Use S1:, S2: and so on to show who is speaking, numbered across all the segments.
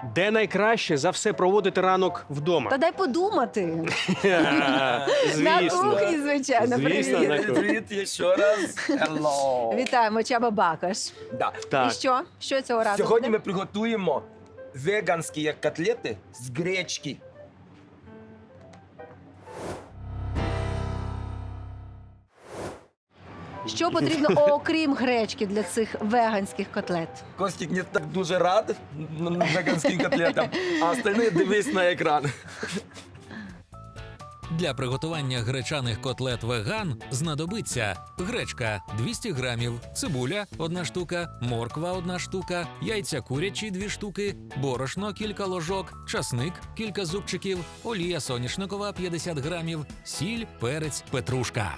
S1: Де найкраще за все проводити ранок вдома?
S2: Та дай подумати. На
S1: Звісно.
S2: кухні, звичайно,
S1: Звісно,
S2: привіт.
S1: на кухні.
S3: Привіт ще раз. Hello.
S2: Вітаємо, Чаба Бакаш.
S3: Да.
S1: Так.
S2: І що? Що цього разу
S3: Сьогодні
S2: буде?
S3: ми приготуємо веганські котлети з гречки.
S2: Що потрібно, окрім гречки, для цих веганських котлет?
S3: Костік не так дуже рад веганським котлетам, а остальні дивись на екран.
S4: Для приготування гречаних котлет веган знадобиться гречка 200 грамів, цибуля 1 штука, морква 1 штука, яйця курячі 2 штуки, борошно кілька ложок, часник кілька зубчиків, олія соняшникова 50 грамів, сіль, перець, петрушка.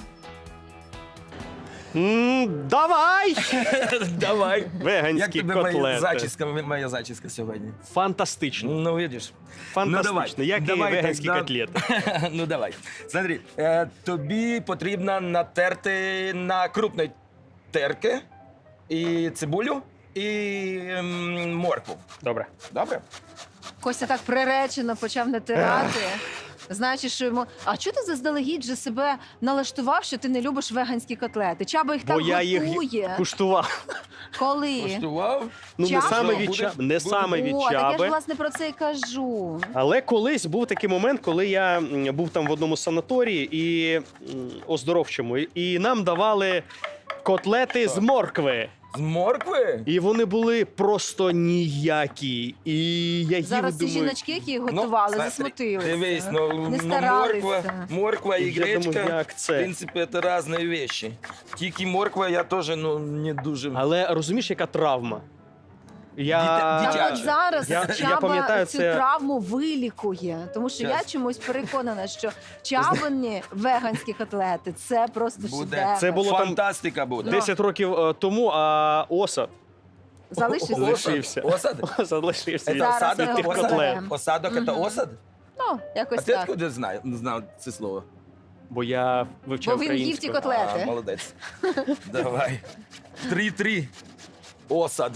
S1: Давай!
S3: Давай. Як
S1: Веганські
S3: тобі
S1: котлети.
S3: моя зачіска сьогодні?
S1: Фантастично.
S3: Ну, видиш.
S1: Фантастично. Як і
S3: давай
S1: веганські
S3: тогда.
S1: котлети.
S3: Ну, давай. Смотри, тобі потрібно натерти на крупної терки і цибулю, і моркву.
S1: Добре.
S3: Добре?
S2: Костя так приречено почав натирати. Знаючи, що йому. А чого ти заздалегідь же себе налаштував, що ти не любиш веганські котлети? Чаба їх
S1: Бо
S2: так
S1: я їх
S2: готує.
S1: куштував.
S2: Коли?
S3: Коштував?
S1: Ну, не
S2: Чаба?
S1: саме від
S3: Будеш?
S1: чаби, не саме від
S2: О, так я ж
S1: чаби.
S2: власне про це і кажу.
S1: Але колись був такий момент, коли я був там в одному санаторії і оздоровчому, і нам давали котлети з моркви.
S3: З моркви?
S1: І вони були просто ніякі. І я їв,
S2: Зараз ці
S1: думаю,
S2: жіночки, які їх готували,
S3: смотри,
S2: засмутилися.
S3: Дивись,
S2: Не
S3: морква,
S2: старалися.
S3: морква і
S1: Я думаю,
S3: гречка,
S1: як
S3: в
S1: це?
S3: принципі, це різні речі. Тільки морква я теж не дуже...
S1: Але розумієш, яка травма?
S3: Дитя-
S2: Так
S3: дитяче.
S2: от зараз
S1: Я
S2: Чаба
S1: пам'ятаю,
S2: цю
S1: це-
S2: травму вилікує. Тому що я
S3: Щас.
S2: чомусь переконана, що чабині веганські котлети – це просто
S3: Буде.
S2: шедевр.
S1: Це було там
S3: Фантастика буде.
S1: 10 років тому, а осад
S2: Залишився.
S1: лишився.
S3: Осад?
S1: Осад лишився від
S2: Зараз
S3: осадок,
S2: ми
S1: від тих
S2: його
S1: котлет.
S2: розберемо.
S3: Осадок це
S2: Мгм.
S3: осад?
S2: Ну,
S3: А
S2: якось
S3: ти
S2: так.
S3: откуда знав це слово?
S1: Бо я вивчав
S2: Бо він їв ті
S1: українську.
S2: котлети.
S3: А, молодець. Давай. 3-3. Осад.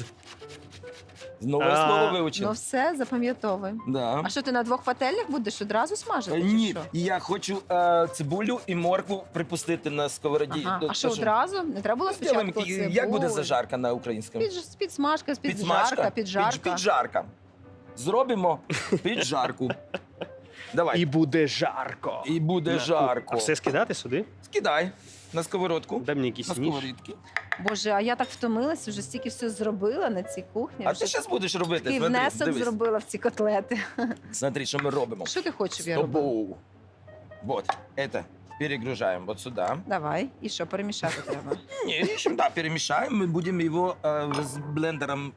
S3: Нове
S1: А,
S3: слово
S2: Ну
S3: вивчив.
S2: все, запам'ятовуй.
S3: Да.
S2: А що ти на 2 пательнях будеш одразу смажити? чи
S3: Ні,
S2: що?
S3: я хочу цибулю і моркву припустити на сковороді.
S2: Ага.
S3: Ну,
S2: А що
S3: то
S2: одразу? Не треба було
S3: Зробимо,
S2: спочатку цибулю?
S3: як буде зажарка на українському?
S2: Підсмажка, піджарка, піджарка.
S3: Піджарка. Зробимо піджарку. Давай.
S1: І буде жарко.
S3: І буде жарко.
S1: А все скидати сюди?
S3: Скидай на сковородку.
S1: Дай мені якийсь
S3: На
S1: ніж.
S3: сковорідки.
S2: Боже, а я так втомилася, вже стільки все зробила на цій кухні.
S3: А
S2: вже
S3: ти зараз будеш робити.
S2: такий
S3: Смотри,
S2: внесок
S3: дивись.
S2: зробила в ці котлети.
S3: Смотри, що ми робимо.
S2: Що ти хочеш, щоб я робила?
S3: Стопоу. Вот, это перегружаем вот сюда.
S2: Давай. І що, перемішати треба?
S3: Не, ищем, да, перемешаем. Мы будем его с блендером.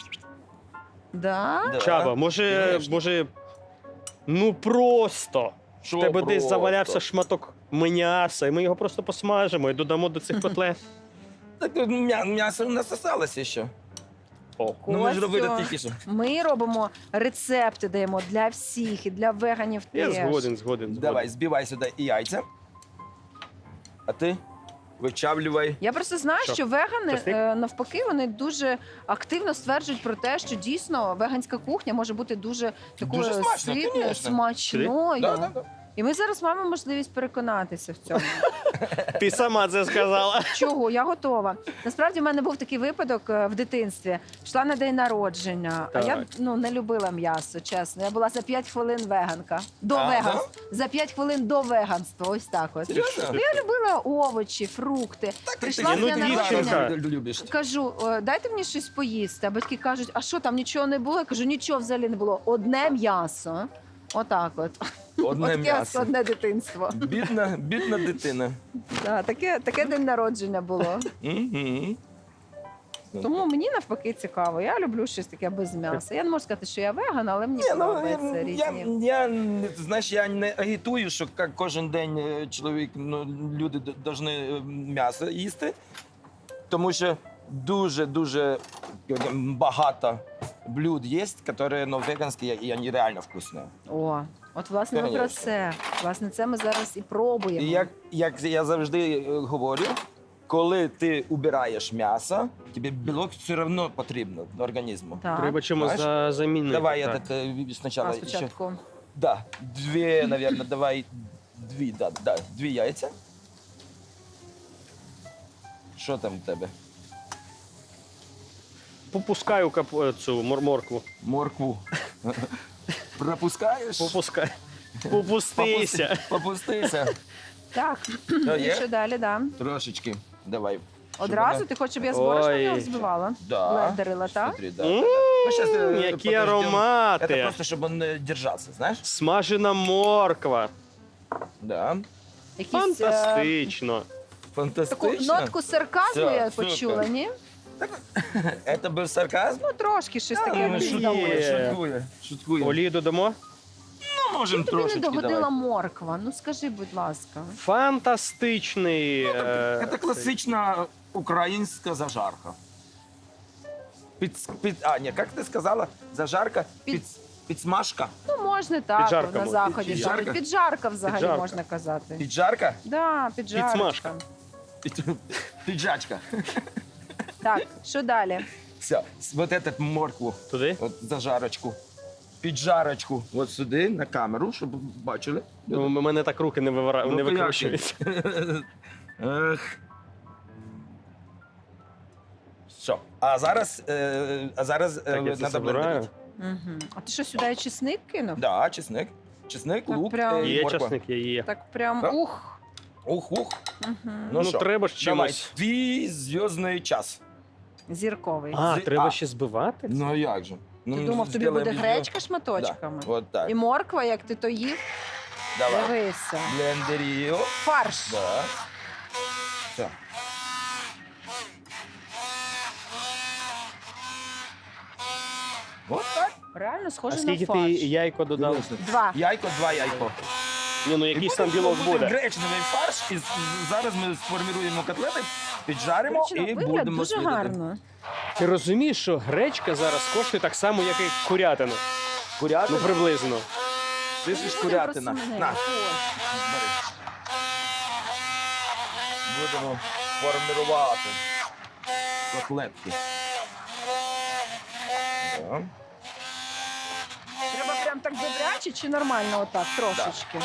S2: Да?
S3: Да.
S1: Чаба,
S3: Конечно.
S1: може, ну просто.
S3: Що
S1: В тебе десь
S3: просто?
S1: завалявся шматок м'яса, і ми його просто посмажимо і додамо до цих котлет.
S3: Так м'ясо у нас осталось ще.
S1: О.
S3: Ну ми ж
S2: Костю,
S3: робили тільки що.
S2: Ми робимо рецепти, даємо для всіх, і для веганів
S1: Я
S2: теж.
S1: згоден.
S3: Давай, збивай сюди і яйця. А ти вичавлювай.
S2: Я просто знаю,
S1: Що?
S2: що вегани
S1: Часник?
S2: навпаки вони дуже активно стверджують про те, що дійсно веганська кухня може бути дуже такою
S3: Дуже смачно,
S2: ситною,
S3: конечно.
S2: смачною.
S3: Да, да, да.
S2: І ми зараз маємо можливість переконатися в цьому.
S1: Ти сама це сказала.
S2: Чого? Я готова. Насправді в мене був такий випадок в дитинстві. Йшла на день народження, а я
S1: Так.
S2: не любила м'ясо, чесно. Я була за 5 хвилин веганка. До
S3: А,
S2: веганства. За 5 хвилин до веганства. Ось так от.
S3: Серйозно?
S2: Ну, я любила овочі, фрукти. Прийшла
S1: ну,
S2: з дня
S1: дівчинка.
S2: народження.
S3: Любиш.
S2: Кажу, дайте мені щось поїсти. А батьки кажуть, а що там нічого не було? Я кажу, нічого взагалі не було. Одне м'ясо. Отак от.
S3: Одне
S2: Таке
S3: м'ясо.
S2: складне дитинство.
S3: Бідна дитина.
S2: Да, таке день народження було.
S3: Мгм.
S2: Тому мені навпаки цікаво. Я люблю щось таке без м'яса. Я не можу сказати, що я веган, але мені
S3: Ні, ну,
S2: подобається різні.
S3: знаєш, я не агітую, що кожен день чоловік, люди повинні м'ясо їсти, тому що дуже багато блюд є, які веганські, і вони реально вкусні.
S2: О, от власне ми про
S3: Конечно.
S2: це. Власне, це ми зараз і пробуємо.
S3: І як я завжди говорю, коли ти убираєш м'ясо, тобі білок все одно потрібно організму.
S2: Так.
S1: Треба чимось
S3: Знаєш?
S1: замінити.
S3: Давай
S1: так.
S3: этот, спочатку.
S2: А, спочатку.
S3: Да, дві, наверное, давай дві, дві яйця. Що там в тебе?
S1: Попускаю цю моркву.
S3: Моркву. Пропускаєш?
S1: Попускай. Попустися.
S3: Попустися.
S2: Так,
S3: Що,
S2: і
S3: є?
S2: що далі, да?
S3: Трошечки. Давай.
S2: Одразу ти хочеш, щоб я з борошном
S1: Ой.
S2: його взбивала?
S3: Да.
S2: Блендерила, так?
S3: Смотри, да.
S1: М,
S3: Ну, щас,
S1: які
S3: подождем.
S1: аромати.
S3: Это просто, чтобы он держался, знаешь?
S1: Смажена морква.
S3: Да.
S2: Якісь,
S1: Фантастично.
S2: таку
S3: Фантастично.
S2: нотку сарказму
S3: Все,
S2: я
S3: супер.
S2: почула, ні?
S3: Это был сарказм?
S2: Ну, трошки щось таке
S1: ну,
S2: мені
S1: є.
S2: здалося.
S3: Шуткую. Шуткую.
S1: Олію додамо?
S3: Ну, можем
S2: Тобі не
S3: трошечки
S2: догодила
S3: давай.
S2: морква. Ну скажи, будь ласка.
S1: Фантастичний.
S3: Это
S1: цей.
S3: классичная украинская зажарка. Ні, як ти сказала? Зажарка? Підсмажка?
S2: Ну, можна так
S1: Піджарка
S2: на
S1: може.
S2: заході.
S3: Піджарка?
S2: так. Піджарка взагалі
S1: Піджарка.
S2: можна казати.
S3: Піджарка?
S2: Да, піджарка.
S1: Підсмажка.
S3: Піджачка.
S2: Так, що далі?
S3: Все, вот этот моркву,
S1: Туди?
S3: от зажарочку, піджарочку, от сюди, на камеру, щоб бачили.
S1: Ну, у мене так руки не
S3: Ну, як
S1: викручуються.
S3: Ех. Все. А зараз
S1: Так, я це
S3: треба
S1: забираю.
S3: блендерити.
S2: Угу. А ти що, сюди чесник кинув?
S3: Да, чесник. Чесник,
S2: Так
S3: лук,
S2: прям.
S1: Є
S3: морква.
S1: часник, є.
S2: Так прям
S3: Так.
S2: ух.
S3: Ух.
S2: Угу.
S1: Ну,
S3: що,
S1: треба ж
S3: давай,
S1: чимось.
S3: твій зв'язний час.
S2: Зірковий.
S1: А, треба
S3: А.
S1: ще збивати?
S3: Ну як же? Ну,
S2: Ти думав, тобі
S3: зробимо
S2: буде
S3: відео.
S2: гречка шматочками?
S3: Да, от так.
S2: І морква, як ти то їв?
S3: Давай.
S2: Дивися.
S3: Блендерію.
S2: Фарш.
S3: Да. Все. Вот так.
S2: Реально
S1: А
S2: схоже на
S1: скільки ти
S2: фарш.
S1: яйко додав?
S2: Два.
S3: Яйко, два яйко.
S1: Ні, ну якийсь там білок буде.
S3: Гречневий фарш, і зараз ми сформуємо котлети, піджаримо
S2: Коротше, на
S3: і
S2: вигляд
S3: будемо
S2: дуже
S3: снідати.
S2: гарно.
S1: Ти розумієш, що гречка зараз коштує так само, як і курятина?
S3: Курятина?
S1: Ну, приблизно.
S3: Ти ж курятина. На, бери. Будемо формувати котлетки. Да.
S2: Треба прям так добряче чи нормально отак, трошечки?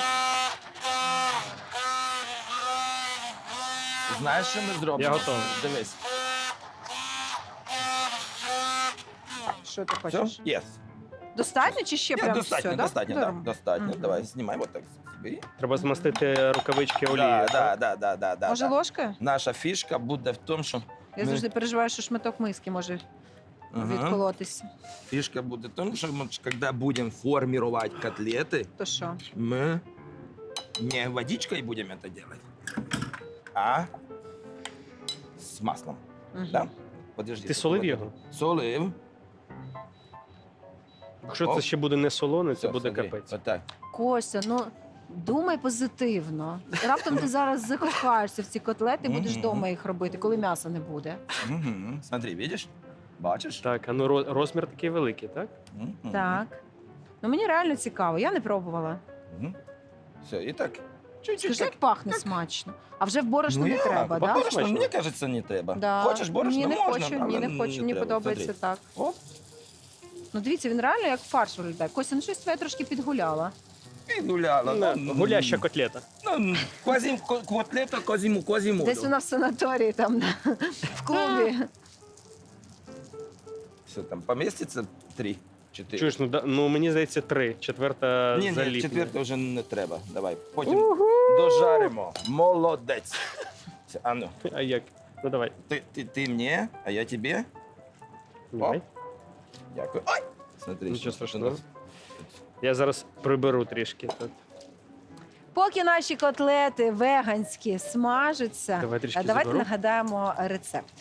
S3: Знаєш, що ми зробимо?
S1: Я готовий.
S3: Дивись.
S2: Що ти
S3: Все?
S2: хочеш?
S3: Є.
S2: Достатньо чи ще прям
S3: Достатньо,
S2: все,
S3: достатньо,
S2: да?
S3: так, достатньо.
S2: Мгм.
S3: Давай, знімай вот так собі.
S1: Треба змастити рукавички олією.
S3: Да.
S2: Може ложкою?
S3: Наша фішка буде в тому, що
S2: Я
S3: ми-
S2: завжди переживаю, що шматок миски може
S3: Ага.
S2: відколотися.
S3: Фишка будет в том, что мы, когда будем формировать котлеты,
S2: То що?
S3: мы не водичкой будем это делать, а с маслом.
S2: Мгм.
S3: Да? Подожди.
S1: Ти солив його?
S3: Солив.
S1: Якщо
S3: Оп.
S1: це ще буде не солоне, це
S3: Все,
S1: буде
S3: смотри,
S1: капець.
S3: Вот так.
S2: Костя, ну думай позитивно. Раптом ти зараз закохаєшся в ці котлети і будеш
S3: Мгм.
S2: вдома їх робити, коли м'яса не буде.
S3: Мгм. Смотри, видишь? Бачиш?
S1: Так, а ну розмір такий великий, так?
S3: Мгм.
S2: Так. Ну мені реально цікаво, я не пробувала.
S3: Мгм. Все, і так. Чуть-чуть
S2: Скажи,
S3: так.
S2: як пахне смачно. А вже в борошно
S3: Ну,
S2: не
S3: як?
S2: треба,
S1: Пахне
S2: так?
S3: Борошно,
S1: смачно?
S3: мені кажеться, не треба.
S2: Да.
S3: Хочеш борошно?
S2: Ні, не
S3: Можна,
S2: хочу,
S3: але
S2: ні, не хочу, мені
S3: треба.
S2: подобається
S3: Смотри.
S2: так.
S3: Оп.
S2: Ну дивіться, він реально як фарш виглядає. Костя, ну щось твоє трошки підгуляла.
S3: І гуляла.
S1: Гуляща котлета.
S3: Ну, котлета козіму.
S2: Десь вона в санаторії там в клубі.
S3: Все, там поміститься 3, 4.
S1: Чуєш, ну мені здається 3, четверта
S3: Ні,
S1: заліпне.
S3: четверте вже не треба. Давай, потім дожаримо. Молодець. Все, а ну,
S1: А як? Ну давай.
S3: ти мені, а я тобі.
S1: Давай.
S3: Дякую. Ой! Смотри,
S1: Нічого
S3: що
S1: страшного.
S3: у нас.
S1: Я зараз приберу трішки. Тут.
S2: Поки наші котлети веганські смажаться,
S1: Давай трішки
S2: давайте
S1: заберу.
S2: нагадаємо рецепт.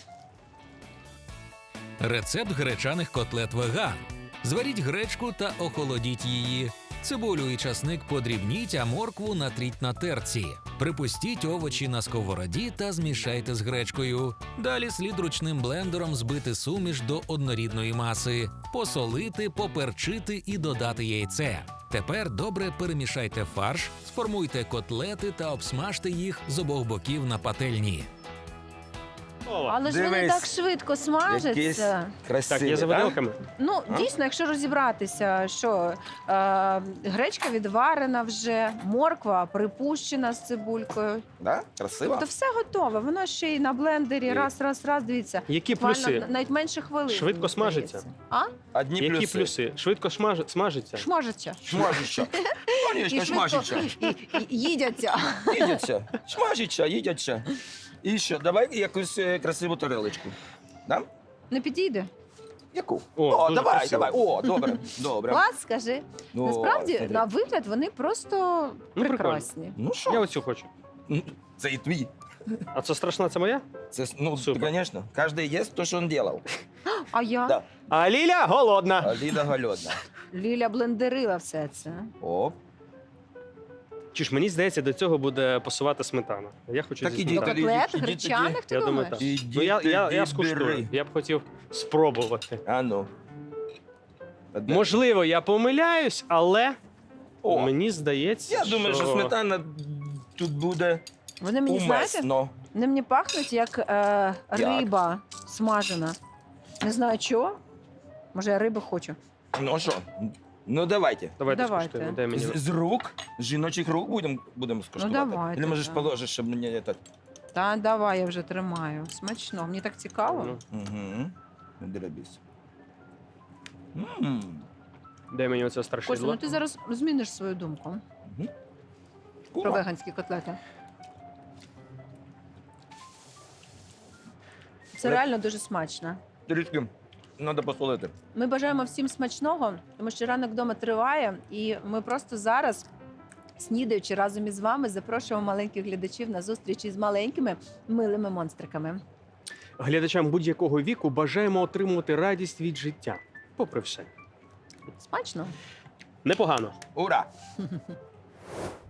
S4: Рецепт гречаних котлет веган. Зваріть гречку та охолодіть її. Цибулю і часник подрібніть, а моркву натріть на терці. Припустіть овочі на сковороді та змішайте з гречкою. Далі слід ручним блендером збити суміш до однорідної маси, посолити, поперчити і додати яйце. Тепер добре перемішайте фарш, сформуйте котлети та обсмажте їх з обох боків на пательні.
S2: Але ж вони
S3: Дивись.
S2: так швидко
S3: Якийсь
S2: смажаться.
S3: красивий,
S1: Так, є за виделками?
S2: Ну,
S3: А?
S2: дійсно, якщо розібратися, що гречка відварена вже, морква припущена з цибулькою.
S3: Да? Красиво.
S2: Тобто все готове. Воно ще й на блендері.
S3: І-
S2: Раз, дивіться.
S1: Які
S2: Буквально
S1: плюси?
S2: навіть менше хвилин.
S1: Швидко
S2: мені
S1: смажиться?
S2: здається. А?
S3: Одні
S1: Які плюси? Швидко смажиться?
S2: Шмажаться.
S3: Смажиться. Конечно, смажиться.
S2: і їдяться.
S3: Їдяться. Смажиться, їдяться. І що, давай якусь красиву тарелочку. Да?
S2: Не підійде?
S3: Яку?
S1: О, дуже
S3: давай,
S1: красиво.
S3: давай. О, добре, добре.
S2: Клас, скажи.
S3: О,
S2: Насправді,
S3: смотри.
S2: на вигляд вони просто
S1: Ну,
S2: прекрасні.
S3: Ну
S1: Я
S3: що?
S1: оцю хочу.
S3: Ну, це і твій.
S1: А це страшна, це моя?
S3: Це, ну,
S1: Супер.
S3: звісно. Кожен їсть те, що він робив.
S2: А я?
S3: Да.
S1: А Ліля голодна.
S3: А Ліда голодна.
S2: Ліля блендерила все це.
S3: Оп.
S1: Чи ж мені здається, до цього буде пасувати сметана. Я хочу
S3: Так
S1: зі
S3: іди,
S2: До
S1: сметаною.
S3: тоді.
S2: котлет
S3: іди тоді.
S2: гречаних, ти
S1: Я думаю,
S2: думаєш?
S1: так.
S3: Іди
S1: Ну, я
S3: тоді
S1: скуштую.
S3: бери.
S1: Я б хотів спробувати.
S3: А ну. Одне.
S1: Можливо, я помиляюсь, але
S3: О,
S1: мені здається,
S3: я думаю, що сметана тут буде
S2: Вони мені, знаєте,
S3: умесно.
S2: вони мені пахнуть як риба смажена. Не знаю чого. Може, я риби хочу.
S3: Ну що, ну давайте.
S1: Давайте
S2: Давайте.
S1: скуштуємо. Дай мені.
S3: З рук, з жіночих рук будемо скуштувати.
S2: давайте,
S3: Или можеш
S2: так.
S3: положиш, щоб мені це...
S2: Та давай, я вже тримаю. Смачно, мені так цікаво.
S1: Ну,
S3: Угу. Дробись. Ммм.
S1: дай мені оце
S2: Костя,
S1: страшидло.
S2: ну ти зараз зміниш свою думку про веганські котлети. Це
S3: Але-
S2: реально дуже смачно.
S3: Трішки треба посолити.
S2: Ми бажаємо всім смачного, тому що ранок вдома триває, і ми просто зараз, снідаючи разом із вами, запрошуємо маленьких глядачів на зустріч із маленькими милими монстриками.
S1: Глядачам будь-якого віку бажаємо отримувати радість від життя. Попри все.
S2: Смачно?
S1: Непогано.
S3: Ура!